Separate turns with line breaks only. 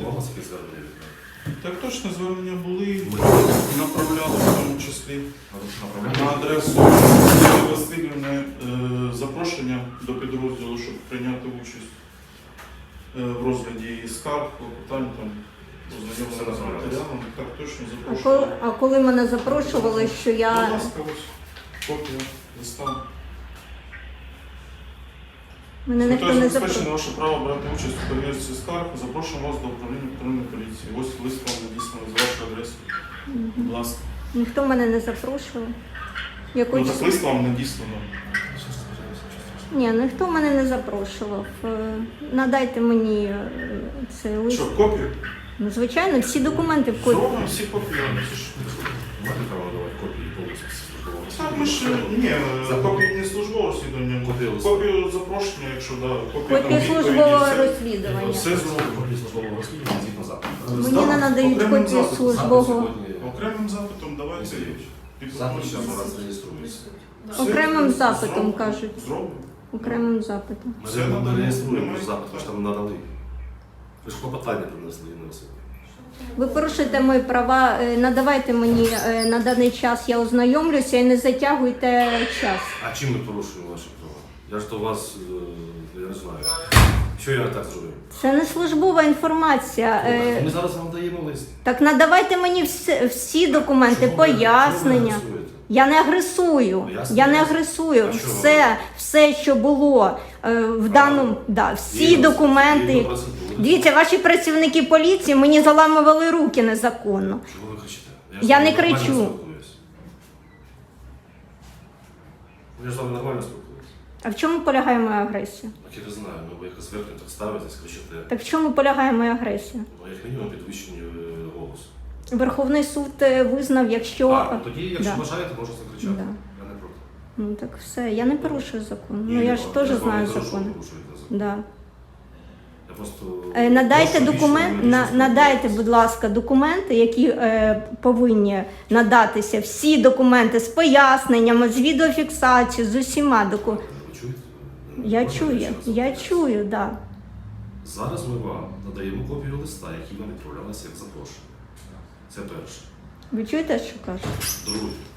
Було у вас якісь звернення від мене?
Так точно, звернення були, направляли в тому числі на адресу Юлії Васильівни запрошення до підрозділу, щоб прийняти участь в розгляді її скарг, клопотань, там, ознайомлення з матеріалом. Так точно запрошували.
А коли мене запрошували, що
Будь
я...
ласка, ось копія листа.
Мене ніхто не запрошував.
Забезпечено ваше право брати участь у перевірці скарг. Запрошуємо вас до управління патрульної поліції. Ось лист вам надісланий з вашої адреси. Будь ласка.
Ніхто мене не запрошував.
Ну, так лист вам надіслано.
Ні, ніхто мене не запрошував. Надайте мені цей лист.
Що, копію?
Ну, звичайно, всі документи в копії.
Зробимо всі копії.
Маєте право надавати копії повністю службового
Так, ми ж, ні, копії не службового розслідування. Копію запрошення, якщо да, копію
Копія службового розслідування.
Все зробимо.
Копії службового розслідування згідно запиту.
Мені не надають
окремим
копію
запитом.
службового.
Окремим запитом давайте
Запит зараз у вас реєструється.
Окремим запитом, кажуть.
Зробимо.
Окремим запитом.
Ми не реєструємо запит, ви ж там надали. Ви ж клопотання принесли на себе.
Ви порушуєте мої права, надавайте мені на даний час, я ознайомлюся і не затягуйте час.
А чим ми порушуємо ваші права? Я ж до вас, я не знаю. Що я так зробив?
Це не службова інформація.
Ми зараз вам даємо лист.
Так надавайте мені всі документи, пояснення. Я не агресую. Я не агресую. Все, що було в даному, да, всі документи. Дивіться, ваші працівники поліції мені заламували руки незаконно.
Чого ви кричите?
Я не кричу.
Я ж з вами нормально спілкуюся.
А в чому полягає моя агресія?
Так я не знаю, ну ви якось зверху так ставитесь, кричите.
Так в чому полягає моя агресія?
Ну, як мінімум підвищення голосу.
Верховний суд визнав, якщо...
Ну тоді, якщо
Да.
бажаєте, можете закричати.
Да.
Я не проти.
Ну так все, я не порушую закон.
Ні,
Ну я ж
я
теж
з вами
знаю
не кажу, що
закони.
ви порушуєте закон.
Да.
Я просто...
Надайте
прошу
документ,
більше юридичної
надайте,
спілкуватися.
будь ласка, документи, які повинні надатися. Всі документи з поясненнями, з відеофіксацією, з усіма документами.
Ви чуєте?
Я
Можна
чую,
ще раз
я
запитати?
чую, так. Да.
Зараз ми вам надаємо копію листа, який вам відправлялися як запрошення. Це перше.
Ви чуєте, що кажуть?
Друге.